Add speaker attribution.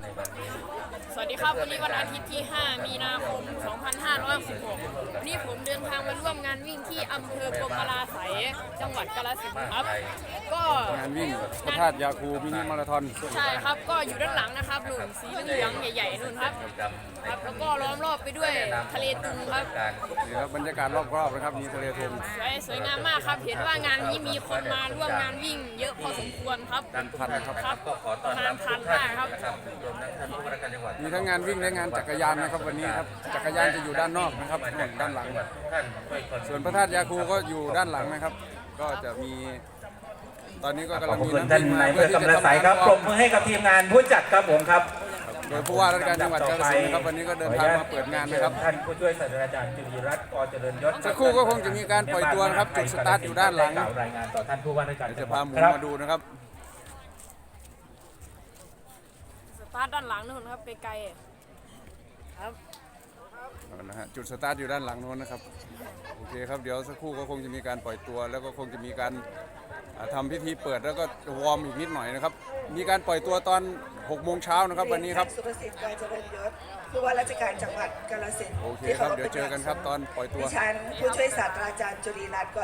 Speaker 1: สวัสดีครับวันนี้วันอาทิตย์ที่ 5 มีนาคม 2566วันนี้ผมเดินทางมาร่วมงานวิ่งที่อำเภอพรหมราไสยจังหวัดกาฬสินธุ์ครับก็
Speaker 2: งานวิ่งพระธาตุยาคูมินิมาราธอน
Speaker 1: ใช่ครับก็อยู่ด้านหลังนะครับหนุนสีเหลืองใหญ่ๆนู่นครับแล้วก็ล้อมรอบไปด้วยทะเลตุงครับ
Speaker 2: นี่ครับบรรยากาศรอบๆนะครับมีทะเลทุง
Speaker 1: สวยงามมากครับเห็นว่างานนี้มีคนมาร่วมงานวิ่งเยอะพอสมควรครับ
Speaker 2: เป็นพันครับ
Speaker 1: ประมาณพันได้ครับ
Speaker 2: มีทั้งงานวิ่งและงานจักรยานนะครับวันนี้ครับจักรยานจะอยู่ด้านนอกนะครับด้านหลังส่วนพระธาตุยาคูก็อยู่ด้านหลังนะครับก็จะมีตอนนี้ก็กำลังมีนักวิ่งมาเพื่อที่จะทำการ
Speaker 3: ปรบมือให้กับทีมงานผู้จัดครับผมครับ
Speaker 2: โดยผู้ว่าราชการจังหวัดกาฬสินธุ์นะครับวันนี้ก็เดินทางมาเปิดงานนะครับ
Speaker 3: ท่านผู้ช่วยศาสตราจารย์จุลีรัตน์ ก.เจริญยศ
Speaker 2: สักครู่ก็คงจะมีการปล่อยตัวครับจุดสตาร์ทอยู่ด้านหลัง
Speaker 3: รายงานต่อท่านผู้ว่าราชการ
Speaker 2: จะพาหมุนมาดูนะครับ
Speaker 1: สตาร์ทด้านหลังนู่นครับไกลๆครับ
Speaker 2: นะฮะจุดสตาร์ทอยู่ด้านหลังนู้นนะครับโอเคครับเดี๋ยวสักครู่ก็คงจะมีการปล่อยตัวแล้วก็คงจะมีการทำพิธีเปิดแล้วก็วอร์มอีกนิดหน่อยนะครับมีการปล่อยตัวตอน6 โมงเช้านะครับวันนี้ครับ
Speaker 4: สุรสิทธิ์ ก.เจริญยศผู้ว่าราชการจังหวัดกาฬสินธุ์
Speaker 2: โอเคครับเดี๋ยวเจอกันครับตอนปล่อยตัว
Speaker 4: ดิฉันผู้ช่วยศาสตราจารย์จุลีรัตน์